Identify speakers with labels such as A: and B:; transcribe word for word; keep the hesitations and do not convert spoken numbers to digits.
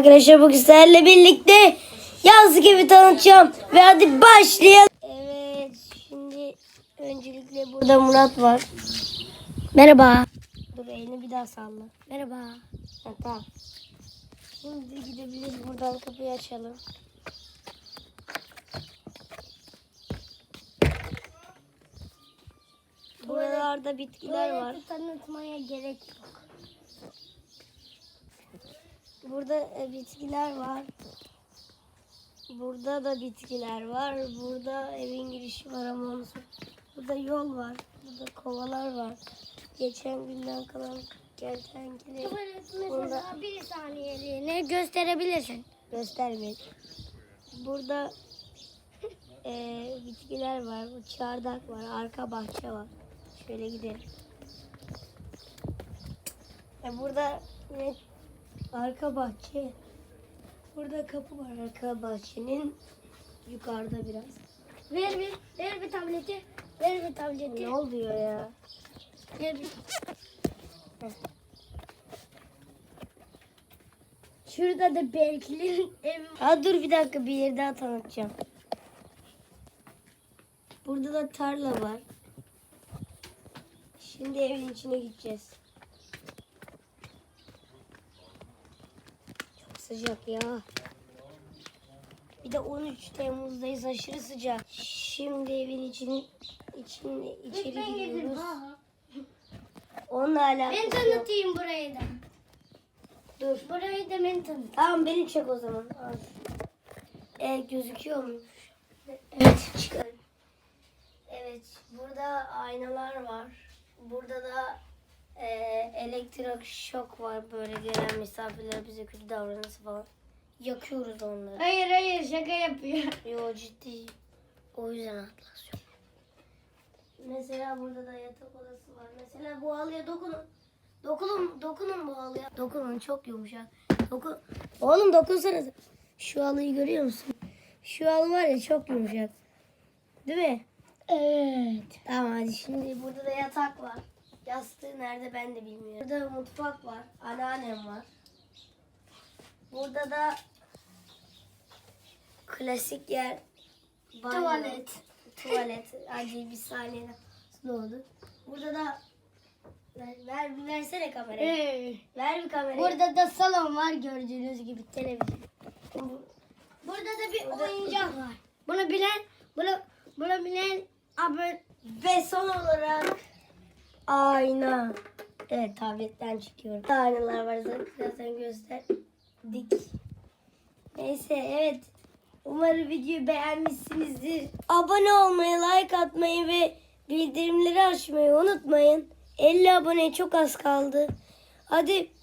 A: Arkadaşlar bugün sizlerle birlikte yaz gibi tanıtacağım ve hadi başlayalım. Evet, şimdi öncelikle burada Murat var. Merhaba. Dur, elini bir daha salla. Merhaba. Ha, tamam. Şimdi gidebiliriz, buradan kapıyı açalım. Buralarda bitkiler var.
B: Tanıtmaya gerek yok.
A: Burada e, bitkiler var. Burada da bitkiler var. Burada evin girişi var ama onu sor- Burada yol var. Burada kovalar var. Geçen günden kalan kertenkele.
B: Tuvalet
A: Burada
B: mesela bir saniyeliğine gösterebilirsin.
A: göstermeyin. Burada e, bitkiler var. Çardak var. Arka bahçe var. Şöyle gidelim. E, burada ne? Arka bahçe. Burada kapı var arka bahçenin. Yukarıda biraz.
B: Ver bir, ver bir tableti. Ver bir tableti.
A: Ne oluyor ya?
B: Ver bir.
A: Heh.
B: Şurada da Berkli'nin evi.
A: Ha dur bir dakika, bir yer daha tanıtacağım. Burada da tarla var. Şimdi evin içine gideceğiz. Çok sıcak ya. Bir de on üç Temmuz'dayız, aşırı sıcak. Şimdi evin için, için içeri
B: Ben girdim.
A: giriyoruz.
B: Ha.
A: Onunla
B: Ben
A: alakası yok.
B: tanıtayım burayı da.
A: Dur.
B: Burayı da ben tanıtayım.
A: Tamam, beni çek o zaman. Al. E, gözüküyor mu?
B: Evet.
A: Çıkar. Evet, burada aynalar var. Burada da e, elektrik şok var. Böyle gelen misafirler bize kötü davranırsa falan. Yakıyoruz onları.
B: Hayır hayır şaka yapıyor.
A: Yo, ciddi. O yüzden atlas yok. Mesela burada da yatak odası var. Mesela bu halıya dokunun. Dokunun, dokunun bu halıya. Dokunun, çok yumuşak. Dokun. Oğlum dokunsana. Şu halıyı görüyor musun? Şu halı var ya, çok yumuşak. Değil mi?
B: Evet.
A: Tamam, hadi şimdi burada da yatak var. Yastığı nerede ben de bilmiyorum. Burada mutfak var. Anneannem var. Burada da klasik yer. Banyo.
B: Tuvalet.
A: Tuvalet. Hadi bir saniye nasıl oldu? Burada da ver, ver bir versene kamerayı.
B: Evet.
A: Ver bir kamerayı.
B: Burada da salon var gördüğünüz gibi televizyon.
A: Bu-
B: Burada da bir
A: Burada-
B: oyuncak var. Bunu bilen, bunu bunu bilen abi.
A: Ve son olarak ayna. Evet, tabletten çıkıyorum. Aynalar var zaten, zaten gösterdik. Neyse, evet. Umarım videoyu beğenmişsinizdir. Abone olmayı, like atmayı ve bildirimleri açmayı unutmayın. elli aboneye çok az kaldı. Hadi